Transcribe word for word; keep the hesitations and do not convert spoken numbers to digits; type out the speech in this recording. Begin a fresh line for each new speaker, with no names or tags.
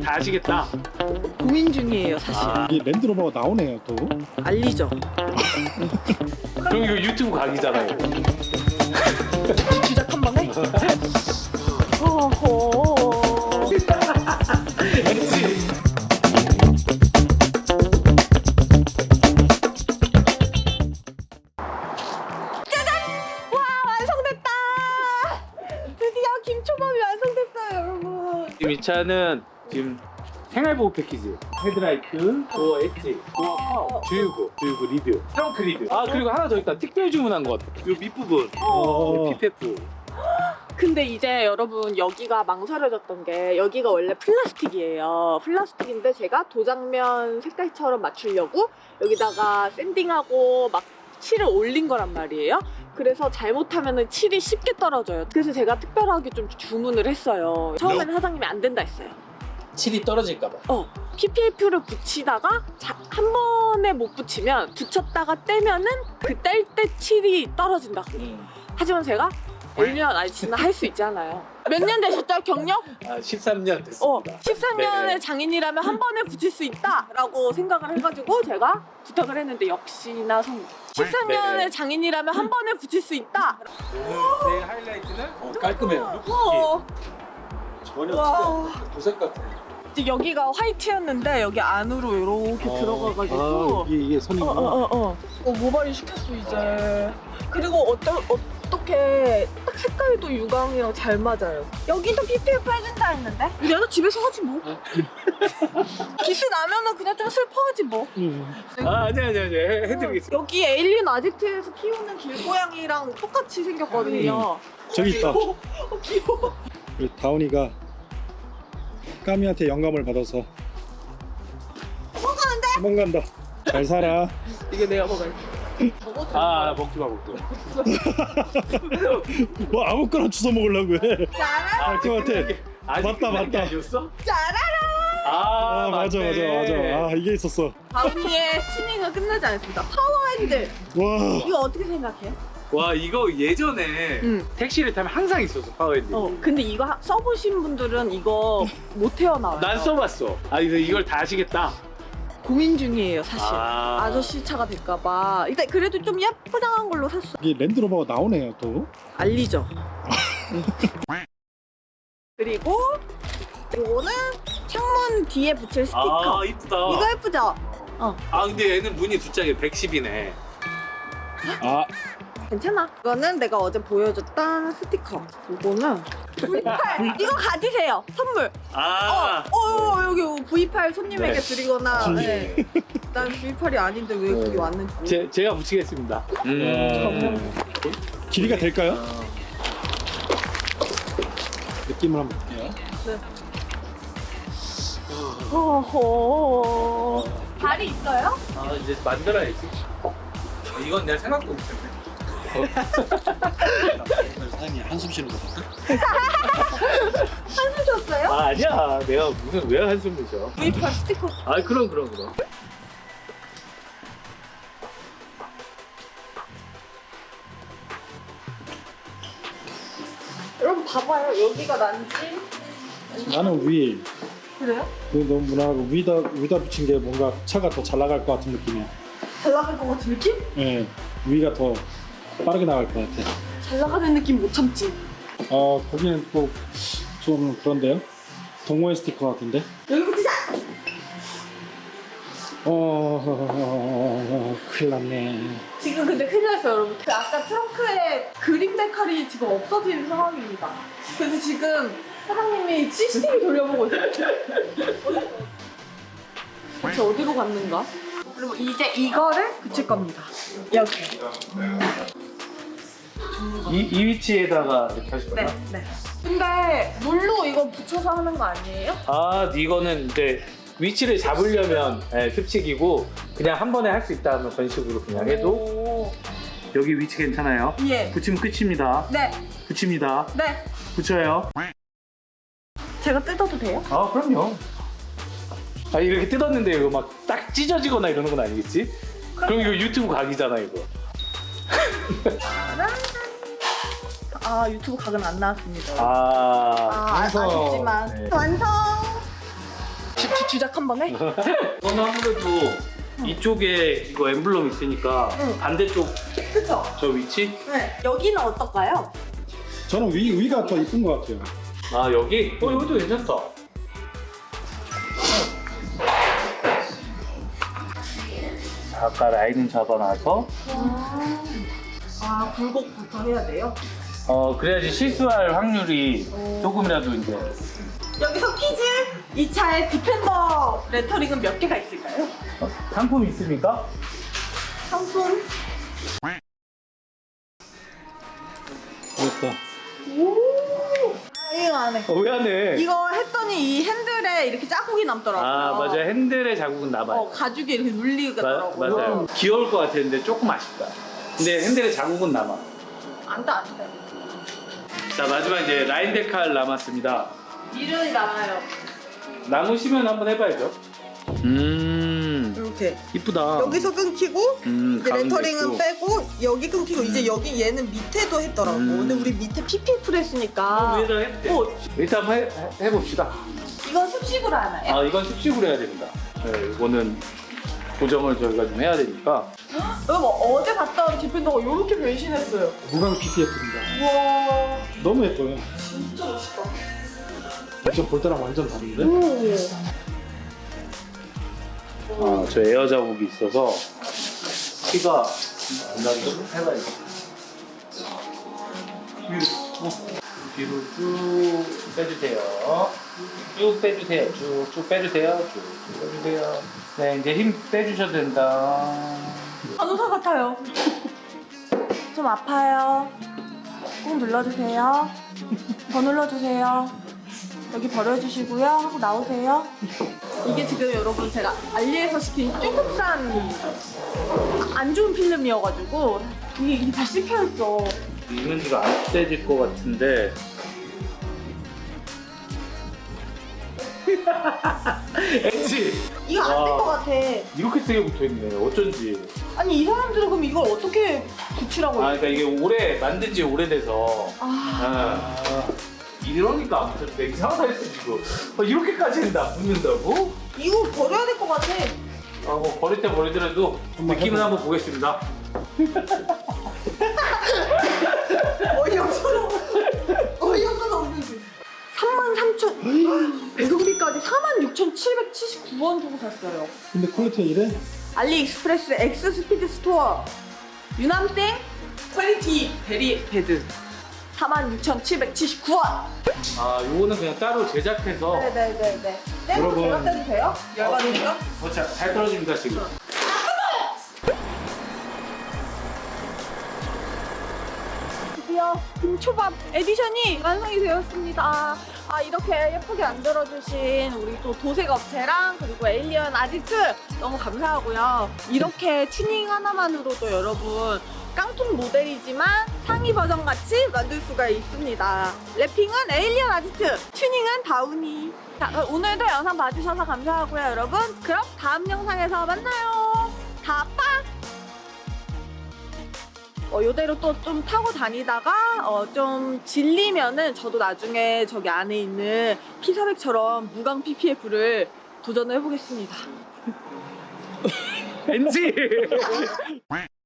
다 아시겠다.
고민 중이에요 사실.
아,
이게 랜드로버가 나오네요 또.
알리죠.
그럼 이거 유튜브 각이잖아요.
주작 한 번에. 어허.
그렇지.
와 완성됐다. 드디어 김초밥이 완성됐어요 여러분.
지금 이 차는 지금 생활보호 패키지, 헤드라이트, 도어 엣지, 도어 파워, 주유구, 주유구 리드, 트렁크 리드. 아 그리고 하나 더 있다. 특별 주문한 것 같아. 이 밑부분,
어.
피페프.
근데 이제 여러분 여기가 망설여졌던 게 여기가 원래 플라스틱이에요. 플라스틱인데 제가 도장면 색깔처럼 맞추려고 여기다가 샌딩하고 막 칠을 올린 거란 말이에요. 그래서 잘못하면 칠이 쉽게 떨어져요. 그래서 제가 특별하게 좀 주문을 했어요. 처음에는 사장님이 안 된다 했어요.
칠이 떨어질까봐.
어, 피피에프를 붙이다가 자, 한 번에 못 붙이면 붙였다가 떼면은 그 뗄 때 칠이 떨어진다고.
음.
하지만 제가 일 년 아니 지나 할 수 있잖아요. 몇 년 되셨죠 경력?
아 십삼 년 됐습니다.
어, 십삼 년의
네네.
장인이라면 한 번에 붙일 수 있다라고 생각을 해가지고 제가 부탁을 했는데 역시나 성공. 십삼 년의
네네.
장인이라면 한 번에 붙일 수 있다.
오늘 제 하이라이트는 어, 깔끔해요.
어,
전혀
와.
도색 같아.
이제 여기가 화이트였는데 여기 안으로 이렇게
어.
들어가가지고.
아, 이게 이게 선이구나.
어어어 어, 어, 모발이 시켰어 이제. 그리고 어떠, 어떻게 딱 색깔도 유광이랑 잘 맞아요. 여기도 피피에프 해준다 했는데 내가 집에서 하지 뭐. 기스 나면은 그냥 좀 슬퍼하지 뭐.
음.
아 아니 아니 아니 해드리겠습니다.
여기 에일리언 아지트에서 키우는 길고양이랑 똑같이 생겼거든요.
저기 있다.
어, 귀여워.
우리 다운이가 까미한테 영감을 받아서
도망가는데?
도망간다. 잘 살아.
이게 내가 먹을.
아 먹지 마 먹지 마.
뭐 아무거나 주워 먹으려고 해.
짜라
아, 그 같아.
아직
맞다,
끝난 게
맞다.
아니었어?
짜라라.
아,
아, 맞아 맞아
맞네.
맞아. 아 이게 있었어.
다운이의 튜닝은 끝나지 않았습니다. 파워핸들
와.
이거 어떻게 생각해?
와 이거 예전에
응.
택시를 타면 항상 있었어 파워핸드.
어 근데 이거 하- 써보신 분들은 이거 못 태어나와요.
난 써봤어. 아 그래서 이걸 다 아시겠다.
고민 중이에요 사실.
아.
아... 저씨 차가 될까봐. 일단 그래도 좀 예쁘장한 걸로 샀어.
이게 랜드로버가 나오네요 또.
알리죠. 그리고 이거는 창문 뒤에 붙일 스티커.
아 이쁘다.
이거 예쁘죠?
아 근데 얘는 문이 두 짝에 백십이네.
아
괜찮아. 이거는 내가 어제 보여줬던 스티커. 이거는 브이 팔. 이거 가지세요. 선물.
아.
어, 어, 여기 브이 팔 손님에게
네.
드리거나.
네.
네. 난 브이 팔이 아닌데 왜
네.
그게 왔는지.
제, 제가 붙이겠습니다.
음. 길이가 될까요? 느낌을 한번 볼게요.
네. 어허. 발이 있어요?
아 이제 만들어야지. 이건 내가 생각도 못했네.
사장님 한숨 쉬는 거 같아.
한숨 쉬었어요?
아 아니야. 내가 무슨 왜 한숨을 쉬어?
브이 팔 스티커.
아 그럼 그럼 그럼.
여러분 봐봐요. 여기가 난지.
나는 휠.
그래요?
그 너무 무난하고 위다 위다 붙인 게 뭔가 차가 더 잘 나갈 것 같은 느낌이야.
잘 나갈 것 같은 느낌?
예, 위가 더 빠르게 나갈 것 같아.
잘 나가는 느낌 못 참지.
어 거기는 또 좀 그런데요? 동호회 스티커 같은데?
여기 붙이자!
어, 어, 어, 어, 큰일 났네.
지금 근데 큰일 났어요 여러분. 그 아까 트렁크에 그림 데칼이 지금 없어진 상황입니다. 그래서 지금 사장님이 씨씨티비 돌려보고 있어요. 대체 어디로 갔는가? 그리고 이제 이거를 붙일 겁니다. 여기.
이, 이 위치에다가 이렇게 하실
네,
거예요?
네. 근데 물로 이거 붙여서 하는 거 아니에요?
아 이거는 이제 위치를 잡으려면 예, 습식이고 그냥 한 번에 할 수 있다 하면 그런 식으로 그냥 해도
오.
여기 위치 괜찮아요.
예.
붙이면 끝입니다.
네,
붙입니다.
네.
붙여요.
제가 뜯어도 돼요?
아 그럼요. 아 이렇게 뜯었는데 이거 막 딱 찢어지거나 이러는 건 아니겠지? 그럼 이거 유튜브 각이잖아 이거.
짜란. 아 유튜브 각은 안 나왔습니다.
아,
아,
완성.
아쉽지만
네.
완성. 주, 주, 주작 한 번 해?
이거는 아무래도 이쪽에 이거 엠블럼 있으니까
응.
반대쪽
그쵸?
저 위치?
네. 여기는 어떨까요?
저는 위, 위가 더 이쁜 것 같아요.
아 여기? 어 여기도 괜찮다. 자, 아까 라인은 잡아놔서
아, 굴곡부터 해야 돼요?
어 그래야지 실수할 확률이 조금이라도 이제
여기서 퀴즈! 이 차에 디펜더 레터링은 몇 개가 있을까요?
어, 상품 있습니까?
상품?
그렇다.
오! 아, 이거 안 해.
어, 왜 안 해?
이거 했더니 이 핸들에 이렇게 자국이 남더라고요.
아 맞아 핸들의 자국은 남아요.
어, 가죽이 이렇게
마,
눌리더라고요.
맞아요. 귀여울 것 같았는데 조금 아쉽다. 근데 핸들의 자국은 남아.
안 돼, 안 돼.
자 마지막 이제 라인 데칼 남았습니다.
미련이 남아요.
남으시면 한번 해봐야죠. 음
이렇게.
이쁘다.
여기서 끊기고,
음,
이제
가운데
레터링은
있고.
빼고, 여기 끊기고, 이제 여기 얘는 밑에도 했더라고.
음.
근데 우리 밑에 피피풀 했으니까.
위에다 해도 돼.
어,
일단 한번 해, 해- 해봅시다.
이건 습식으로 하나요?
아 이건 습식으로 해야 됩니다. 네, 이거는 고정을 저희가 좀 해야 되니까.
여러분, 어제 갔다 온 디펜더가 이렇게 변신했어요.
무광 피피에프입니다.
우와,
너무 예뻐요.
진짜 멋있다.
완전 볼 때랑 완전 다른데?
오.
아, 저 에어 자국이 있어서 피가 안 나게 좀 해봐야죠. 위로, 어. 뒤로 쭉 빼주세요. 쭉 빼주세요. 쭉쭉 빼주세요. 쭉쭉 빼주세요. 네, 이제 힘 빼주셔도 된다.
간호사 같아요. 좀 아파요. 꾹 눌러주세요. 더 눌러주세요. 여기 버려주시고요. 하고 나오세요. 이게 지금 여러분 제가 알리에서 시킨 중국산 안 좋은 필름이어가지고 이게, 이게 다 씹혀있어.
이면지가 안 떼질 것 같은데. 엣지!
이거 안 될
와.
것 같아.
이렇게 세게 붙어있네. 어쩐지.
아니 이 사람들은 그럼 이걸 어떻게 붙이라고
아,
해?
그러니까 이게 오래 만든 지 오래돼서.
아,
아, 이러니까 안 붙었는데 이상하다 했어 지금. 아, 이렇게까지는 다 붙는다고?
이거 버려야 될 것 같아.
아, 뭐 버릴 때 버리더라도 느낌은 한번 보겠습니다.
어이없어. 어이없어서 없는지. 삼만 삼천 배송비까지 사만 육천칠백칠십구 원 주고 샀어요.
근데 퀄리티가 이래?
알리익스프레스 엑스 스피드 스토어 유남생 퀄리티 베리 베드 사만 육천칠백칠십구 원.
아, 요거는 그냥 따로 제작해서.
네네네네. 떼도
여러분.
제가 떼도 돼요? 열받으니까?
어, 자, 잘 떨어집니다 지금.
드디어 김초밥 에디션이 완성이 되었습니다. 아 이렇게 예쁘게 만들어주신 우리 또 도색 업체랑 그리고 에일리언 아지트 너무 감사하고요. 이렇게 튜닝 하나만으로도 여러분 깡통 모델이지만 상위 버전 같이 만들 수가 있습니다. 랩핑은 에일리언 아지트, 튜닝은 다우니. 자, 그럼 오늘도 영상 봐주셔서 감사하고요, 여러분. 그럼 다음 영상에서 만나요. 다 빠! 어, 이대로 또 좀 타고 다니다가 어, 좀 질리면은 저도 나중에 저기 안에 있는 피사백처럼 무광 피피에프를 도전을 해보겠습니다.
왠지.